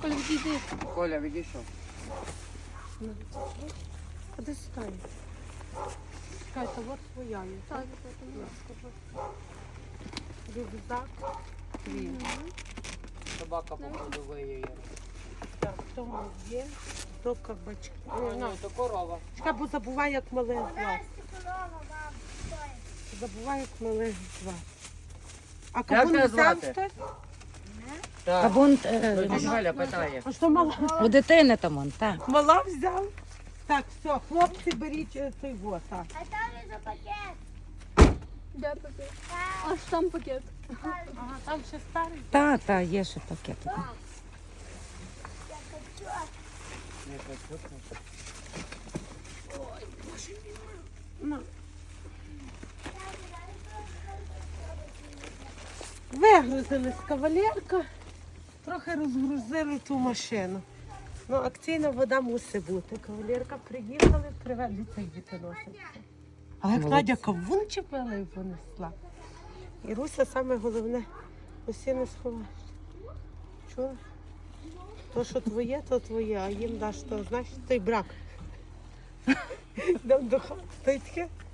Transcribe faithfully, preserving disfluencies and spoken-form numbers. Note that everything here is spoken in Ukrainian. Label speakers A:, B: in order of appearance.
A: Коля, відійди.
B: Коля, відійшов.
C: А де стань? Чекай, та от твоя є.
A: Так,
C: Рюкзак. Твій.
B: Собака походу виє.
C: Так, в тому є. Про кабачки.
B: Ну, то корова.
C: Чекай, бо забувай, як малих звати. Забувай, як малих звати. А
B: Як
C: кабун
B: тебе
C: взяв
B: звати?
C: хтось?
B: Так.
D: Кабун
B: Тоді Галя питає.
C: А що мала?
D: у дитини там он, так.
C: Мала взяв? Так, все, хлопці, беріть е, той вот, так.
E: А там є за пакет.
A: Де пакет? Аж там пакет.
C: Ага, там ще старий.
D: Та, та, є ще пакет.
B: Не хочу.
C: Ну. Вигрузились кавалерка, трохи розгрузили ту машину. Ну, акційна вода мусить бути. Кавалерка приїхали, привезли цей дітоносик. Але як
D: Молодці.
C: Надя кавун чепила і понесла. І Руся саме головне, усі не сховаєш. Чула? То, що твоє, то твоє, а їм даш то, знаєш, той брак. Йдемо до хати, то й таке.